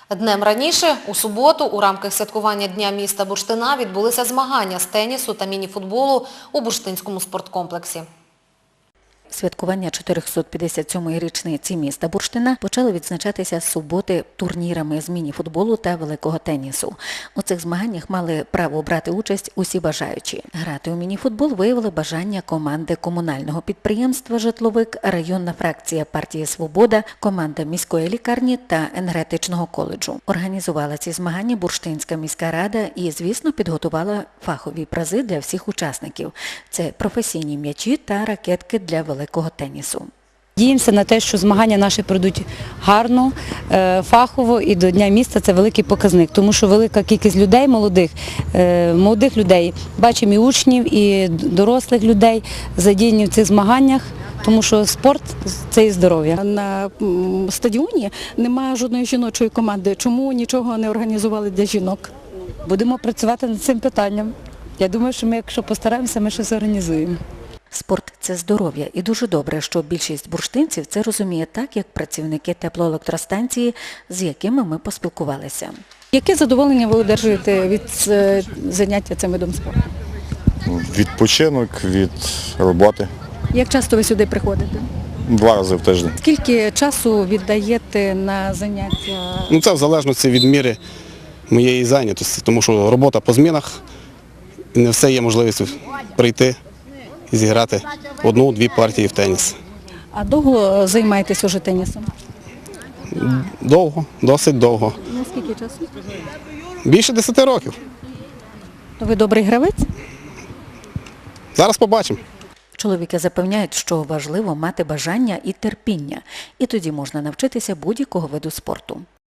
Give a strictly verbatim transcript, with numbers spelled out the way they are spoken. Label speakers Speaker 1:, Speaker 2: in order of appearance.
Speaker 1: Днем раніше, у суботу, у рамках святкування Дня міста Бурштина відбулися змагання з тенісу та міні-футболу у Бурштинському спорткомплексі.
Speaker 2: Святкування чотирьохсот п'ятдесят сьомої річниці міста Бурштина почали відзначатися з суботи турнірами з міні-футболу та великого тенісу. У цих змаганнях мали право брати участь усі бажаючі. Грати у міні-футбол виявили бажання команди комунального підприємства «Житловик», районна фракція партії «Свобода», команда міської лікарні та енергетичного коледжу. Організувала ці змагання Бурштинська міська рада і, звісно, підготувала фахові призи для всіх учасників. Це професійні м'ячі та ракетки для великого великого тенісу.
Speaker 3: Надіємося на те, що змагання наші пройдуть гарно, фахово, і до Дня міста це великий показник, тому що велика кількість людей, молодих, молодих людей, бачимо і учнів, і дорослих людей задіяні в цих змаганнях, тому що спорт – це і здоров'я.
Speaker 4: На стадіоні немає жодної жіночої команди. Чому нічого не організували для жінок?
Speaker 3: Будемо працювати над цим питанням. Я думаю, що ми, якщо постараємося, ми щось організуємо.
Speaker 2: Спорт – це здоров'я, і дуже добре, що більшість бурштинців це розуміє так, як працівники теплоелектростанції, з якими ми поспілкувалися.
Speaker 4: Яке задоволення ви одержуєте від заняття цим видом спорту?
Speaker 5: Відпочинок від роботи.
Speaker 4: Як часто ви сюди приходите?
Speaker 5: Два рази в тиждень.
Speaker 4: Скільки часу віддаєте на заняття?
Speaker 6: Ну, це в залежності від міри моєї зайнятості, тому що робота по змінах, і не все є можливість прийти і зіграти одну-дві партії в теніс.
Speaker 4: А довго займаєтесь уже тенісом?
Speaker 6: Довго, досить довго.
Speaker 4: Наскільки часу?
Speaker 6: Більше десяти років.
Speaker 4: Ви добрий гравець?
Speaker 6: Зараз побачимо.
Speaker 2: Чоловіки запевняють, що важливо мати бажання і терпіння, і тоді можна навчитися будь-якого виду спорту.